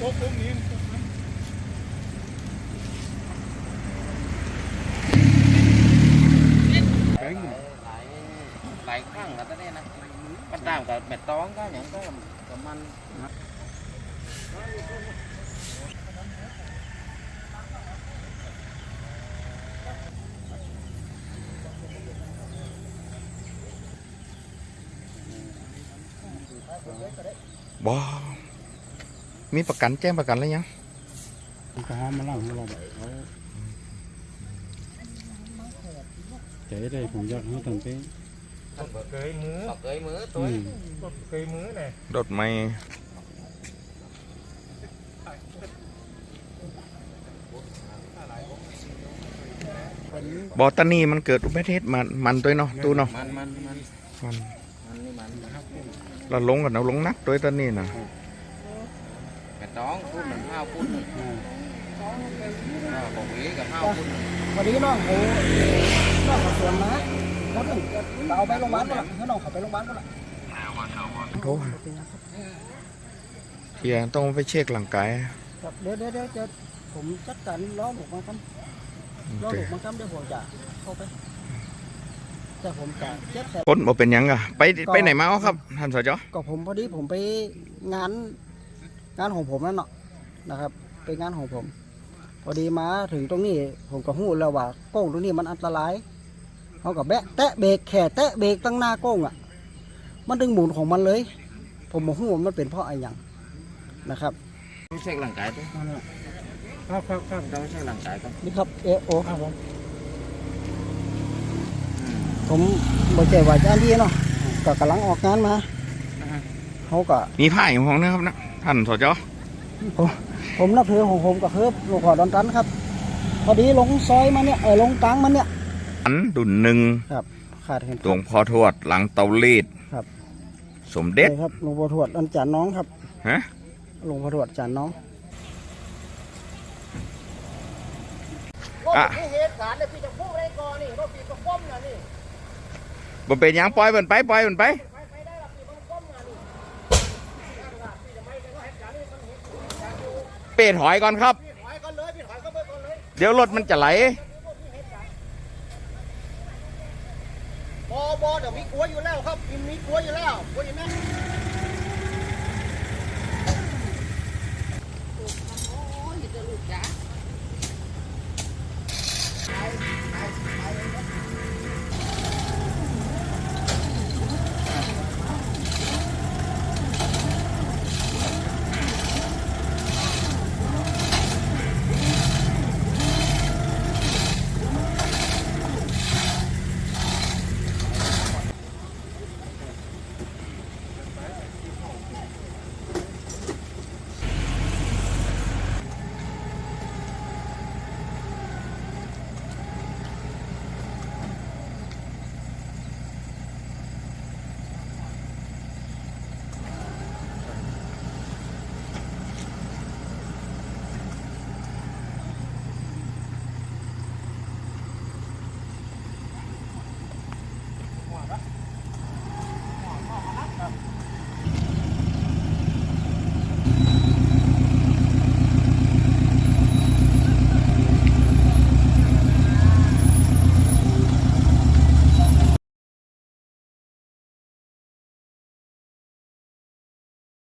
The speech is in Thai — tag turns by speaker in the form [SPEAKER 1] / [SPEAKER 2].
[SPEAKER 1] ต๊ะตรงนี้
[SPEAKER 2] หลายครั้งแล้วตอนนี้นะมันตามกับแม่ตองก็อย่างก็กับมัน
[SPEAKER 3] บ่มีประกันแจ้งประกันแล้วยัง
[SPEAKER 1] ก็หอมมาเล่าให้เราแบบเขาใจได้ผมอยากให้ทำเป็นเกยมือตัวเกยมือเนี่ย
[SPEAKER 3] รถไม่บอตานี่มันเกิดอุบัติเหตุมันด้วยเนาะตู้เนาะมันเราลงกันเราลงนักด้วยตอนนี้นะ
[SPEAKER 2] แม่ตองพูดเหมือนข้าวพูดของวีกับข้าวพูด
[SPEAKER 4] วันนี้น้องเขาสวนมาแล้วถึงเราเอาไปโรงพยาบาลก็ละให้น้องเขาไปโรงพยาบาลก็ละ
[SPEAKER 3] โทษเฮียต้องไปเช็คร่างกาย
[SPEAKER 4] เดี๋ยวผมจัดการล้อหมกมาครับล้อหมกมาครับเดี๋ยวผมจะเข้าไปแต่ผมจะเช็ค
[SPEAKER 3] พ้นบ่เป็นยังอะไปไหนมาครับท่านสจ.
[SPEAKER 4] ก็ผมพอดีผมไปงานของผมนั่นเนาะนะครับไปงานของผมพอดีมาถึงตรงนี้ผมก็หู้แล้วว่าโก้งตรงนี้มันอันตรายเขากับแตะเบรกแค่แตะเบรกตั้งหน้าโก้งอ่ะมันดึงหมุนของมันเลยผมบอกหู้ว่ามันเป็นเพราะอะไรอย่างนะครับ
[SPEAKER 2] ต้องเช็คร่างกายด้วย
[SPEAKER 1] ครับ
[SPEAKER 2] ต้องเช็คร่างกายก่อน
[SPEAKER 4] นี่ครับโอครับผมบอกใจว่าจะอันดีเนาะก็กำลังออกงานมาเขาก็
[SPEAKER 3] มีผ้าอยู่ของนะครับนะท่านสจ.
[SPEAKER 4] ผมนับถือของผมก็คือหลวงพ่อดอนตันครับพอดีลงซอยมาเนี่ยลงกลางมันเนี่ย
[SPEAKER 3] อันดุนหนึ่ง
[SPEAKER 4] ครับขาดเห็น
[SPEAKER 3] หลวงพ่อทวดหลังเตาลีด
[SPEAKER 4] ครับ
[SPEAKER 3] สมเด็จ
[SPEAKER 4] ครับหลวงพ่อทวดอันจานน้องครับ
[SPEAKER 3] ฮะ
[SPEAKER 4] หลวงพ่อทวดจานน้องเหตุการณ์เนี่ยพี่จะพูดอะไรก่อนนี่รถพี่ก็ก้มนะนี่
[SPEAKER 3] บ่เป็นยังปล่อยมันไปเปิดหอยก่อนครับเดี๋ยวรถมันจะไหล
[SPEAKER 4] บอเดี๋ยวมีกลัวอยู่แล้วครับมีกลัวอยู่แล้วกลัวอยู่ไหม